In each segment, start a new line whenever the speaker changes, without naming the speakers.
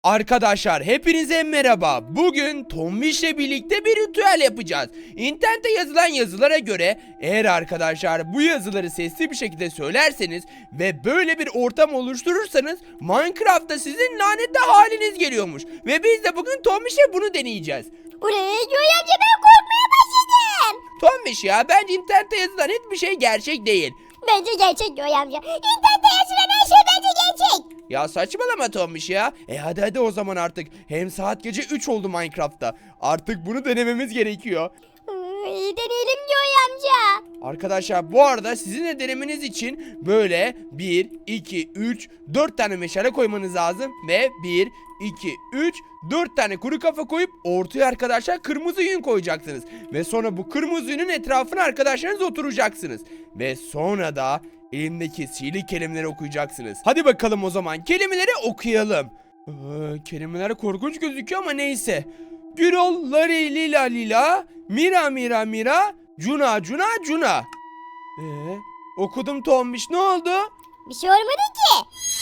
Arkadaşlar hepinize merhaba. Bugün Tombiş'le birlikte bir ritüel yapacağız. İnternette yazılan yazılara göre eğer arkadaşlar bu yazıları sesli bir şekilde söylerseniz ve böyle bir ortam oluşturursanız Minecraft'ta sizin lanetli haliniz geliyormuş. Ve biz de bugün Tombiş'le bunu deneyeceğiz.
Buraya Joy amca ben korkmaya başladım.
Tombiş ya, bence internette yazılan hiçbir şey gerçek değil.
Bence gerçek Joy amca. İnternette yazılan her şey bence gerçek.
Ya saçmalama Tombiş ya. Hadi o zaman artık. Hem saat gece 3 oldu Minecraft'ta. Artık bunu denememiz gerekiyor.
Deneyelim Joy amca.
Arkadaşlar bu arada sizin de denemeniz için böyle 1, 2, 3, 4 tane meşale koymanız lazım. Ve 1, 2, 3, 4 tane kuru kafa koyup ortaya arkadaşlar kırmızı yün koyacaksınız. Ve sonra bu kırmızı yünün etrafına arkadaşlarınız oturacaksınız. Ve sonra da elimdeki sihirli kelimeleri okuyacaksınız. Hadi bakalım o zaman kelimeleri okuyalım. Kelimeler korkunç gözüküyor ama neyse. Gürol, Lari, Lila, Lila, Mira, Mira, Mira, Cuna, Cuna, Cuna. Okudum Tombiş, ne oldu?
Bir şey olmadı ki.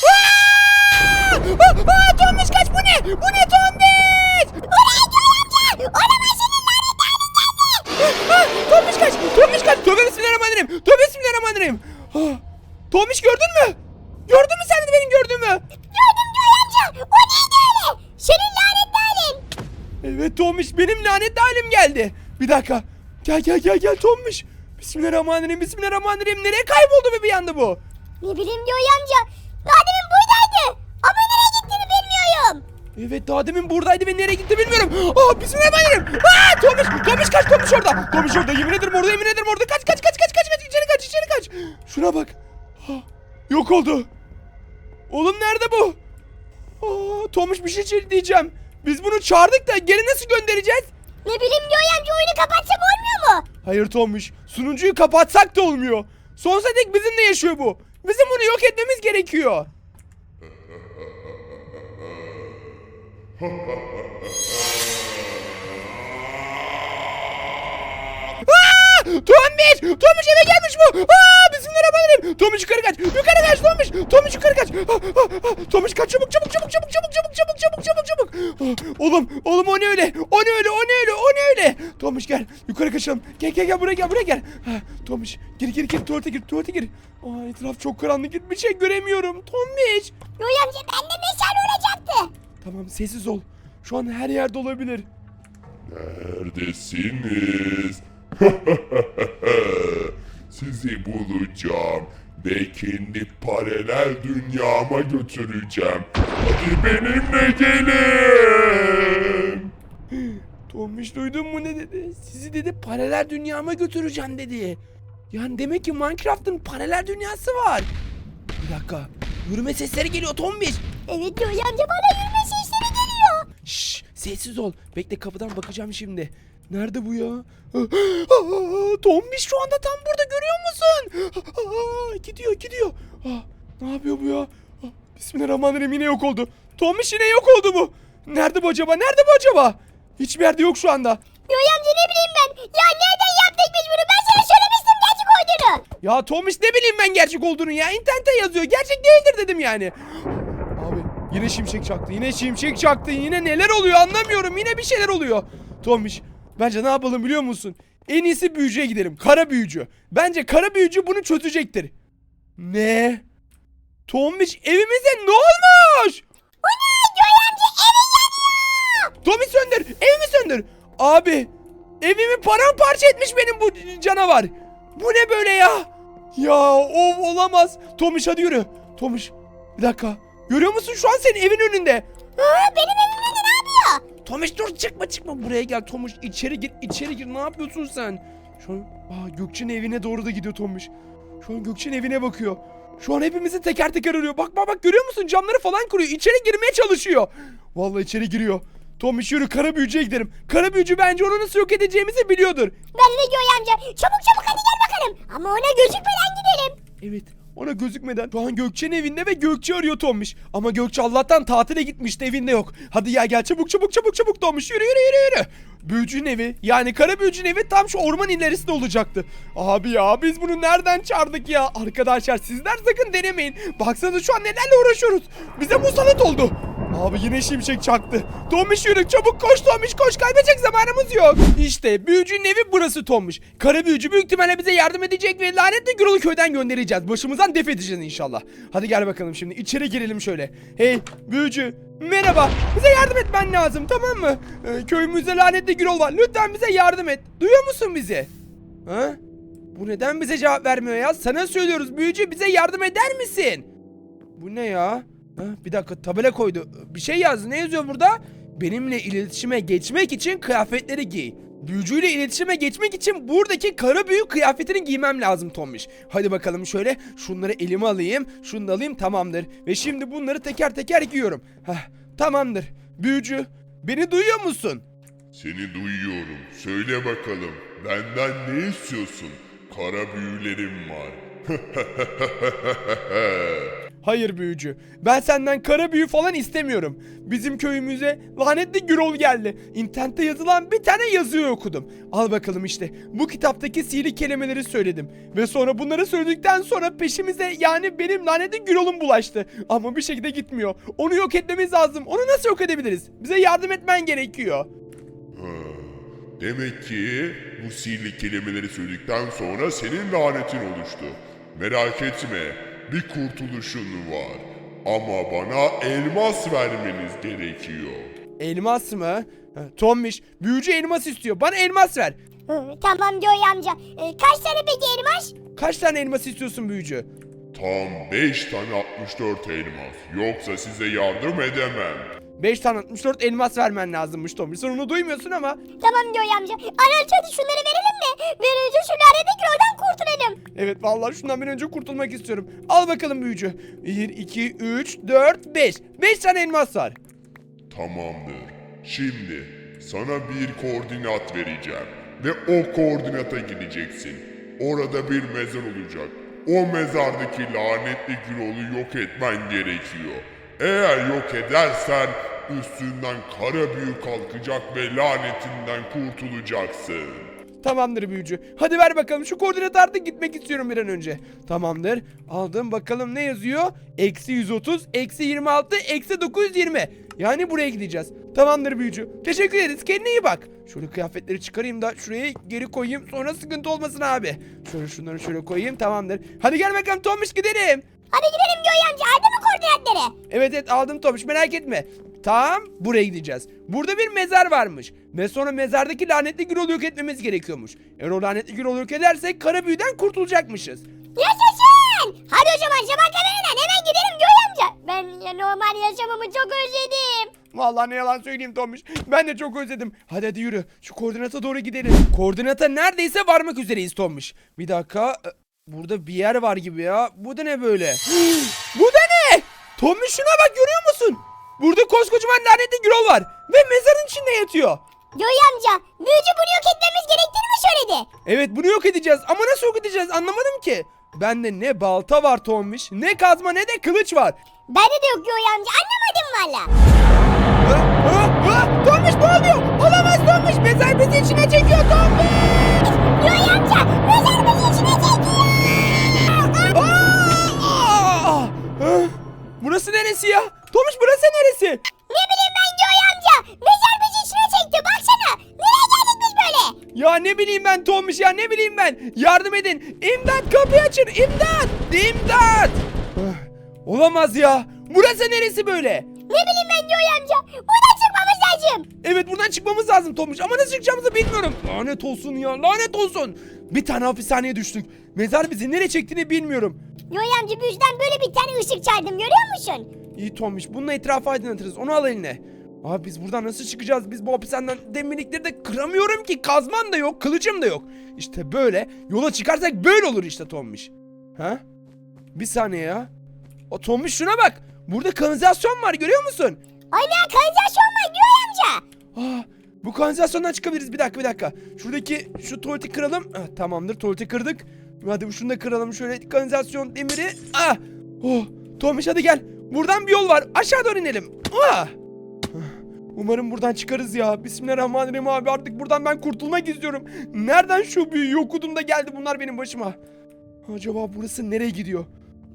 Tombiş kaç, bu ne? Bu ne Tombiş?
Oraya Joy amca. Olamaz senin lanet halin.
Tombiş kaç, Tombiş kaç. Tövbe bismillahirrahmanirrahim. Tövbe bismillahirrahmanirrahim. Tombiş gördün mü? Gördün mü sen de benim gördüğümü?
Gördüm Joy amca. O neydi öyle? Senin lanet halin.
Evet Tombiş, benim lanetli halim geldi. Bir dakika. Gel Tombiş. Bismillahirrahmanirrahim, bismillahirrahmanirrahim. Nereye kayboldu bir anda bu?
Ne bileyim Joy amca. Daha demin buradaydı. Ama nereye gittiğini bilmiyorum.
Evet daha demin buradaydı ve nereye gitti bilmiyorum. Bismillahirrahmanirrahim. Tombiş kaç, Tombiş orada. Tombiş orada, yemin ederim orada, yemin ederim orada. Kaç içeri kaç. Şuna bak. Yok oldu. Oğlum nerede bu? Tombiş bir şey diyeceğim. Biz bunu çağırdık da geri nasıl göndereceğiz?
Ne bileyim Joy amca, oyunu kapatsam olmuyor mu?
Hayır Tombiş, sunucuyu kapatsak da olmuyor. Sonsuza dek bizimle yaşıyor bu. Bizim bunu yok etmemiz gerekiyor. Tombiş eve gelmiş bu. Bismillahirrahmanirrahim. Tombiş yukarı kaç. Tombiş yukarı kaç. Tombiş kaç, çabuk. Oğlum o ne öyle? O ne öyle? Tombiş gel. Yukarı kaçalım. Gel buraya gel. Tombiş gir tuvalete gir. Etraf çok karanlık, hiçbir şey göremiyorum. Tombiş.
Joy amca bende meşale olacaktı.
Tamam, sessiz ol. Şu an her yerde olabilir.
Neredesiniz? Sizi bulacağım ve kendi paralel dünyama götüreceğim. Hadi benimle gelin.
Tombiş duydun mu ne dedi? Sizi dedi paralel dünyama götüreceğim dedi. Yani demek ki Minecraft'ın paralel dünyası var. Bir dakika. Yürüme sesleri geliyor Tombiş.
Evet Joy amca, bana yürüme sesleri geliyor.
Şşş, sessiz ol. Bekle, kapıdan bakacağım şimdi. Nerede bu ya? Tombiş şu anda tam burada, görüyor musun? Gidiyor. Ne yapıyor bu ya? Bismillahirrahmanirrahim, yine yok oldu. Tombiş yine yok oldu bu. Nerede bu acaba? Hiçbir yerde yok şu anda.
Joy amca ne bileyim ben. Ya nereden yaptık biz bunu? Ben sana söylemiştim gerçek olduğunu.
Ya Tombiş ne bileyim ben gerçek olduğunu ya. İnternette yazıyor. Gerçek değildir dedim yani. Abi yine şimşek çaktı. Yine neler oluyor anlamıyorum. Yine bir şeyler oluyor. Tombiş bence ne yapalım biliyor musun? En iyisi büyücüye gidelim. Kara büyücü. Bence kara büyücü bunu çözecektir. Ne? Tombiş evimize ne olmuş?
O ne? Joy amca evi yanıyor.
Tombiş evimi söndür. Abi evimi paramparça etmiş benim bu canavar. Bu ne böyle ya? Ya olamaz. Tombiş hadi yürü. Tombiş bir dakika. Görüyor musun şu an senin evin önünde?
Benim evim önünde ne yapıyor?
Tomiş dur, çıkma buraya gel Tomiş, içeri gir, ne yapıyorsun sen? Şu an Gökçe'nin evine doğru da gidiyor Tomiş. Şu an Gökçe'nin evine bakıyor. Şu an hepimizi teker teker arıyor. Bak görüyor musun, camları falan kuruyor, içeri girmeye çalışıyor. Vallahi içeri giriyor. Tomiş yürü, kara büyücüye gidelim. Kara büyücü bence onu nasıl yok edeceğimizi biliyordur.
Ben de Joy amca. Çabuk hadi gel bakalım. Ama ona gözükmeden gidelim.
Evet, ona gözükmeden. Şu an Gökçe'nin evinde ve Gökçe arıyor Tomiş. Ama Gökçe Allah'tan tatile gitmişti, evinde yok. Hadi ya gel çabuk Tomiş, yürü. Büyücünün evi, yani kara büyücünün evi tam şu orman ilerisinde olacaktı. Abi ya biz bunu nereden çağırdık ya? Arkadaşlar sizler sakın denemeyin. Baksanıza şu an nelerle uğraşıyoruz. Bize musallat oldu. Abi yine şimşek çaktı. Tombiş yürü çabuk koş Tombiş koş kaybedecek zamanımız yok. İşte büyücünün evi burası Tombiş. Kara büyücü büyük ihtimalle bize yardım edecek ve lanetli Gürol'u köyden göndereceğiz. Başımızdan def edeceğiz inşallah. Hadi gel bakalım şimdi içeri girelim şöyle. Hey büyücü merhaba, bize yardım etmen lazım tamam mı? Köyümüzde lanetli Gürol var, lütfen bize yardım et. Duyuyor musun bizi? Ha? Bu neden bize cevap vermiyor ya? Sana söylüyoruz büyücü, bize yardım eder misin? Bu ne ya? Ha, bir dakika tabela koydu. Bir şey yazdı. Ne yazıyor burada? Benimle iletişime geçmek için kıyafetleri giy. Büyücüyle iletişime geçmek için buradaki kara büyü kıyafetini giymem lazım Tombiş. Hadi bakalım şöyle şunları elime alayım. Şunu da alayım tamamdır. Ve şimdi bunları teker teker giyiyorum. Hah, tamamdır. Büyücü beni duyuyor musun?
Seni duyuyorum. Söyle bakalım. Benden ne istiyorsun? Kara büyülerim var.
Hayır büyücü. Ben senden kara büyü falan istemiyorum. Bizim köyümüze lanetli Gürol geldi. İnternette yazılan bir tane yazıyı okudum. Al bakalım işte. Bu kitaptaki sihirli kelimeleri söyledim. Ve sonra bunları söyledikten sonra peşimize yani benim lanetli Gürol'um bulaştı. Ama bir şekilde gitmiyor. Onu yok etmemiz lazım. Onu nasıl yok edebiliriz? Bize yardım etmen gerekiyor.
Demek ki bu sihirli kelimeleri söyledikten sonra senin lanetin oluştu. Merak etme, bir kurtuluşun var. Ama bana elmas vermeniz gerekiyor.
Elmas mı? Tombiş, büyücü elmas istiyor. Bana elmas ver.
Tamam Joy amca. Kaç tane peki elmas?
Kaç tane elmas istiyorsun büyücü?
Tam 5 tane 64 elmas. Yoksa size yardım edemem.
5 tane 64 elmas vermen lazımmış Tombiş. Sen onu duymuyorsun ama.
Tamam Joy amca. Anıl hadi şunları verelim de. Böylece şu lanetli Gürol'dan kurtulalım.
Evet vallahi şundan bir önce kurtulmak istiyorum. Al bakalım büyücü. 1, 2, 3, 4, 5. 5 tane elmas var.
Tamamdır. Şimdi sana bir koordinat vereceğim. Ve o koordinata gideceksin. Orada bir mezar olacak. O mezardaki lanetli Gürol'u yok etmen gerekiyor. Eğer yok edersen üstünden kara büyü kalkacak ve lanetinden kurtulacaksın.
Tamamdır büyücü. Hadi ver bakalım şu koordinatı artık gitmek istiyorum bir an önce. Tamamdır. Aldım bakalım ne yazıyor? Eksi 130, eksi 26, eksi 920. Yani buraya gideceğiz. Tamamdır büyücü. Teşekkür ederiz. Kendine iyi bak. Şöyle kıyafetleri çıkarayım da şuraya geri koyayım. Sonra sıkıntı olmasın abi. Şöyle şunları şöyle koyayım. Tamamdır. Hadi gel bakalım Tomiş gidelim.
Hadi gidelim Joy amca. Aldın mı koordinatları?
Evet evet aldım Tomiş merak etme. Tam buraya gideceğiz. Burada bir mezar varmış. Ve sonra mezardaki lanetli Gürol'u yok etmemiz gerekiyormuş. Eğer o lanetli Gürol'u yok edersek kara büyüden kurtulacakmışız.
Yaşasın. Hadi o zaman sabah kamerayla hemen gidelim Joy amca. Ben ya normal yaşamımı çok özledim.
Vallahi ne yalan söyleyeyim Tomiş. Ben de çok özledim. Hadi hadi yürü. Şu koordinata doğru gidelim. Koordinata neredeyse varmak üzereyiz Tomiş. Bir dakika. Burada bir yer var gibi ya. Bu da ne böyle? Bu da ne? Tomiş şuna bak görüyor musun? Burada koskocaman lanetli Gürol var. Ve mezarın içinde yatıyor.
Joy amca büyücü bunu yok etmemiz gerektiğini mi söyledi?
Evet bunu yok edeceğiz. Ama nasıl yok edeceğiz anlamadım ki. Bende ne balta var Tomiş, ne kazma ne de kılıç var.
Bende de yok Joy amca anlamadım valla.
Tomiş ne oluyor? Olamaz Tomiş. Mezar bizi içine çekiyor Tomiş.
Joy amca mezar bizi içine çekiyor.
Burası neresi ya? Tomiş burası neresi?
Ne bileyim ben Joy amca. Mezar bizi içine çekti baksana. Nereye geldik biz böyle?
Ya ne bileyim ben Tomiş ya ne bileyim ben. Yardım edin. İmdat kapıyı açın. İmdat. İmdat. Olamaz ya. Burası neresi böyle?
Ne bileyim ben Joy amca. Buradan çıkmamız lazım.
Evet buradan çıkmamız lazım Tomiş ama nasıl çıkacağımızı bilmiyorum. Lanet olsun ya lanet olsun. Bir tane hapishaneye düştük. Mezar bizi nereye çektiğini bilmiyorum.
Joy amca büyücüden böyle bir tane ışık çağırdım görüyor musun?
İyi Tomiş bununla etrafı aydınlatırız onu al eline. Abi biz buradan nasıl çıkacağız? Biz bu hapishaneden demirlikleri de kıramıyorum ki. Kazmam da yok kılıcım da yok. İşte böyle yola çıkarsak böyle olur işte Tomiş. Ha? Bir saniye ya. O Tomiş şuna bak. Burada kanalizasyon var görüyor musun?
Aynen kanalizasyon var Joy amca.
Bu kanalizasyondan çıkabiliriz. Bir dakika. Şuradaki şu tuvaleti kıralım. Tamamdır tuvaleti kırdık. Hadi şunu da kıralım şöyle kanalizasyon demiri. Tomiş hadi gel. Buradan bir yol var. Aşağı doğru inelim. Umarım buradan çıkarız ya. Bismillahirrahmanirrahim abi artık buradan ben kurtulmak istiyorum. Nereden şu büyüyü okudum da geldi bunlar benim başıma. Acaba burası nereye gidiyor?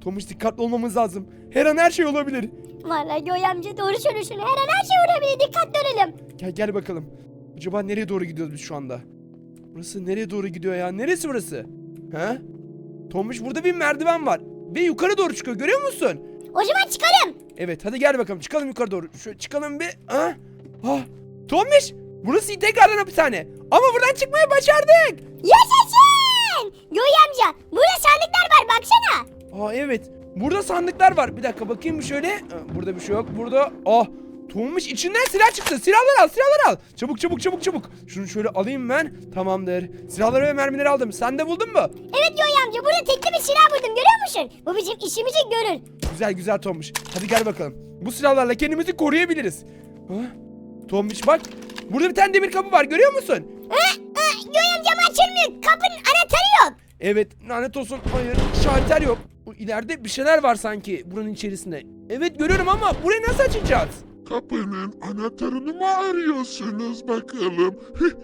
Tomuş dikkatli olmamız lazım. Her an her şey olabilir.
Vallahi Göğe amca doğru söylüyorsun. Her an her şey olabilir. Dikkatli olalım.
Gel bakalım. Acaba nereye doğru gidiyoruz biz şu anda? Burası nereye doğru gidiyor ya? Neresi burası? He? Tomuş burada bir merdiven var. Ve yukarı doğru çıkıyor, görüyor musun?
O zaman çıkalım.
Evet, hadi gel bakalım, çıkalım yukarı doğru. Şöyle çıkalım bir. Ha? Ha? Tomuş! Burası tekrardan hapishane. Ama buradan çıkmayı başardık.
Yaşasın. Göğe amca burada sandıklar var baksana.
Aa evet. Burada sandıklar var. Bir dakika bakayım bir şöyle. Burada bir şey yok. Burada. Ah. Tomuş içinden silah çıktı. Silahları al, silahları al. Çabuk. Şunu şöyle alayım ben. Tamamdır. Silahları ve mermileri aldım. Sen de buldun mu?
Evet Göğe amca burada tekli bir silah buldum görüyor musun? Bu bizim işimizi görür.
Güzel Tomuş. Hadi gel bakalım. Bu silahlarla kendimizi koruyabiliriz. Ha? Tomuş bak. Burada bir tane demir kapı var, görüyor musun?
Göğe amcam açılmıyor. Kapının anahtarı yok.
Evet, lanet olsun. Hayır, şalter yok. Bu ileride bir şeyler var sanki buranın içerisinde. Evet görüyorum ama burayı nasıl açacağız?
Kapının anahtarını mı arıyorsunuz bakalım?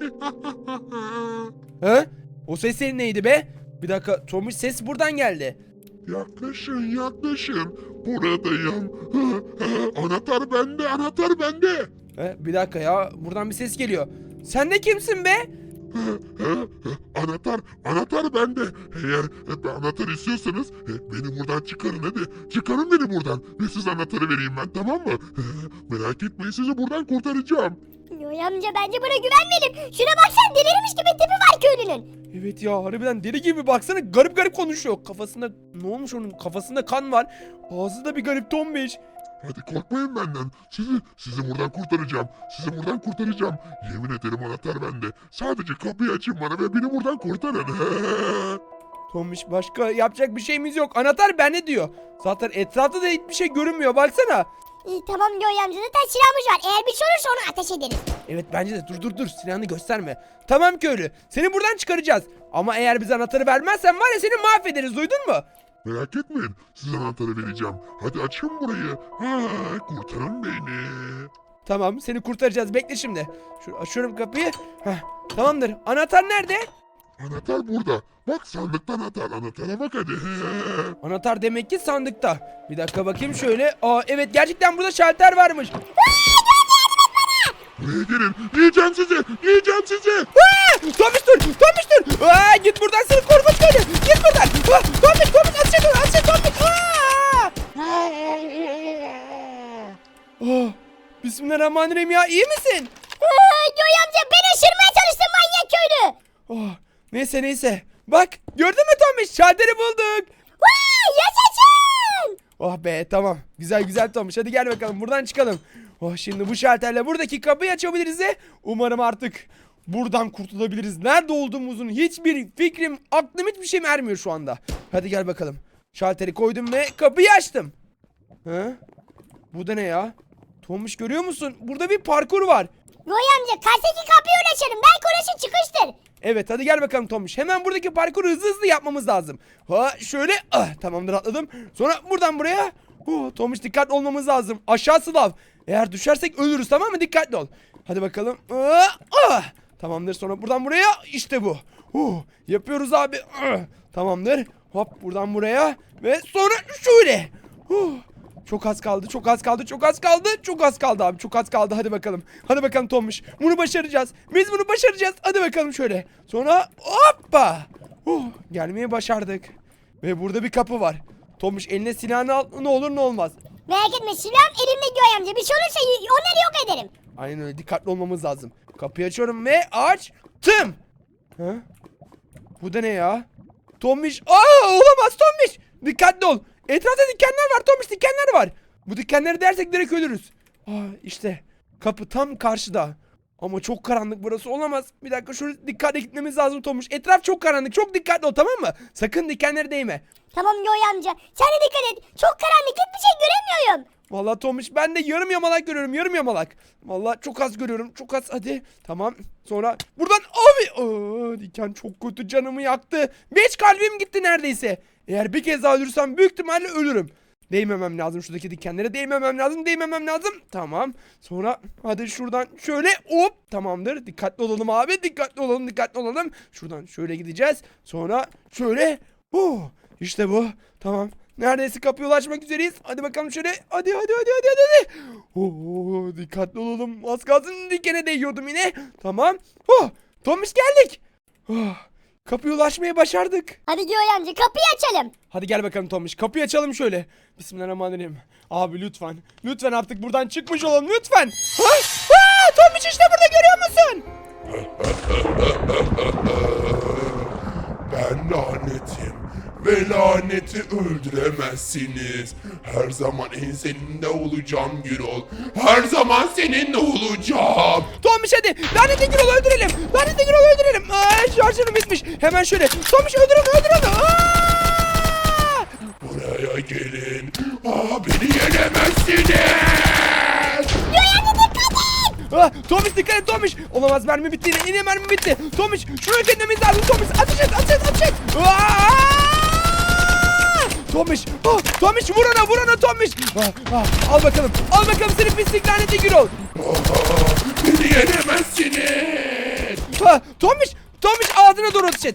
He? O ses senin neydi be? Bir dakika, Tomuş ses buradan geldi.
Yaklaşın. Buradayım. Anahtar bende.
Bir dakika ya, buradan bir ses geliyor. Sen de kimsin be?
Anahtar bende. Eğer anahtar istiyorsanız beni buradan çıkarın hadi. Çıkarın beni buradan ve size anahtarı vereyim ben, tamam mı? Merak etmeyin, sizi buradan kurtaracağım.
Göğe amca bence buna güvenmeyelim. Şuna baksana delirmiş gibi tipi var köylünün.
Evet ya, harbiden deli gibi, baksana garip konuşuyor. Kafasında ne olmuş onun? Kafasında kan var. Ağzı da bir garip, Tombiş.
Hadi korkmayın benden. Sizi buradan kurtaracağım. Yemin ederim anahtar bende. Sadece kapıyı açın bana ve beni buradan kurtarın.
Tombiş, başka yapacak bir şeyimiz yok. Anahtar bende diyor. Zaten etrafta da hiçbir şey görünmüyor, baksana.
İyi tamam Göğe amca zaten silahımız var. Eğer bir şey olursa onu ateş ederiz.
Evet bence de, dur silahını gösterme. Tamam köylü, seni buradan çıkaracağız. Ama eğer bize anahtarı vermezsen var ya, seni mahvederiz, duydun mu?
Merak etmeyin. Size anahtarı vereceğim. Hadi açın burayı. Kurtarın beni.
Tamam, seni kurtaracağız, bekle şimdi. Şöyle açıyorum kapıyı. Tamamdır, anahtar nerede?
Anahtar burada. Bak sandıkta anahtar. Anahtara bak hadi.
Anahtar demek ki sandıkta. Bir dakika bakayım şöyle. Aa evet, gerçekten burada şalter varmış.
Buraya gelin. Yiyeceğim sizi.
Tomiş dur. Git buradan, seni korkmuş köylü. Git buradan. Tomiş ateş Tomiş. Bismillahirrahmanirrahim ya, iyi misin?
Göğe amca beni ısırmaya çalıştı manyak köylü.
Neyse. Bak, gördün mü Tomiş? Şalteri bulduk.
Yaşasın.
Oh be, tamam. Güzel Tomiş. Hadi gel bakalım, buradan çıkalım. Şimdi bu şalterle buradaki kapıyı açabiliriz de umarım artık buradan kurtulabiliriz. Nerede olduğumuzun hiçbir fikrim, aklım hiçbir şeyim ermiyor şu anda. Hadi gel bakalım. Şalteri koydum ve kapıyı açtım. Bu da ne ya? Tomiş, görüyor musun? Burada bir parkur var.
Göğe amca karşıdaki kapıyı uğraşalım. Belki orası çıkıştır.
Evet, hadi gel bakalım Tomiş. Hemen buradaki parkuru hızlı yapmamız lazım. Şöyle. Tamamdır, atladım. Sonra buradan buraya. Tomiş, dikkatli olmamız lazım. Aşağısı lav. Eğer düşersek ölürüz, tamam mı? Dikkatli ol. Hadi bakalım. Tamamdır, sonra buradan buraya. İşte bu. Yapıyoruz abi. Tamamdır. Hop, buradan buraya. Ve sonra şöyle. Çok az kaldı abi, çok az kaldı. Hadi bakalım Tomuş, bunu başaracağız, biz bunu başaracağız. Hadi bakalım şöyle, sonra hoppa. Gelmeyi başardık. Ve burada bir kapı var. Tomuş, eline silahını al, ne olur ne olmaz.
Merak etme silahım elimde Göğe amca. Bir şey olursa onları yok ederim.
Aynen öyle, dikkatli olmamız lazım. Kapıyı açıyorum ve açtım. Bu da ne ya? Tomuş, olamaz Tomuş, dikkatli ol. Etrafta dikenler var Tomuş, dikenler var. Bu dikenleri dersek direkt ölürüz. İşte kapı tam karşıda. Ama çok karanlık, burası olamaz. Bir dakika, şuraya dikkatli gitmemiz lazım Tomuş. Etraf çok karanlık, çok dikkatli ol, tamam mı? Sakın dikenlere değme.
Tamam Göğe amca. Sen de dikkat et. Çok karanlık, hiçbir şey göremiyorum.
Vallahi Tomuş, ben de yarım yamalak görüyorum, yarım yamalak. Vallahi çok az görüyorum, çok az. Hadi tamam, sonra buradan abi. Diken çok kötü, canımı yaktı. 5 kalbim gitti neredeyse. Eğer bir kez daha ölürsem büyük ihtimalle ölürüm. Değmemem lazım, şuradaki dikenlere değmemem lazım. Tamam. Sonra hadi şuradan şöyle hop, tamamdır. Dikkatli olalım abi, dikkatli olalım. Şuradan şöyle gideceğiz. Sonra şöyle. İşte bu. Tamam. Neredeyse kapıya ulaşmak üzereyiz. Hadi bakalım şöyle. Hadi. Oo, dikkatli olalım. Az kalsın dikene değiyordum yine. Tamam. Tomiş geldik. Kapıya ulaşmayı başardık.
Hadi Göğe amca kapıyı açalım.
Hadi gel bakalım Tomiş. Kapıyı açalım şöyle. Bismillahirrahmanirrahim. Abi lütfen. Lütfen artık buradan çıkmış olalım. Lütfen. Tomiş işte burada, görüyor musun?
Ben lanetim ve laneti öldüremezsiniz. Her zaman enseninde olacağım Gürol. Her zaman seninle olacağım.
Tomiş hadi. Lanetli Gürol'u öldürelim. Lanetli Gürol'u öldürelim. Şarjörüm bitmiş. Hemen şöyle. Tomiş öldür onu.
Buraya gelin. Beni yenemezsiniz.
Tomiş dikkat et Tomiş. Olamaz, mermi bitti yine mermi bitti. Tomiş şuraya kendimiz lazım Tomiş. Ateş et. Tomiş. Tomiş vur ona Tomiş. Al bakalım seni pislik lanetli Gürol.
Beni yenemezsiniz.
Tomiş ağzına doğru ateş et.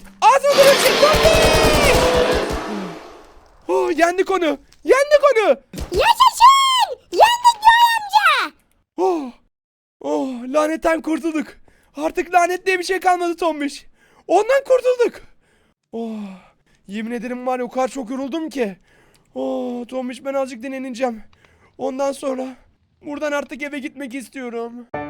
Tomiş. Yendik onu.
Yaşasın. Yendik Göğe amca.
Lanetten kurtulduk. Artık lanet diye bir şey kalmadı Tombiş. Ondan kurtulduk. Yemin ederim var ya, o kadar çok yoruldum ki. Tombiş, ben azıcık dinleneceğim. Ondan sonra buradan artık eve gitmek istiyorum.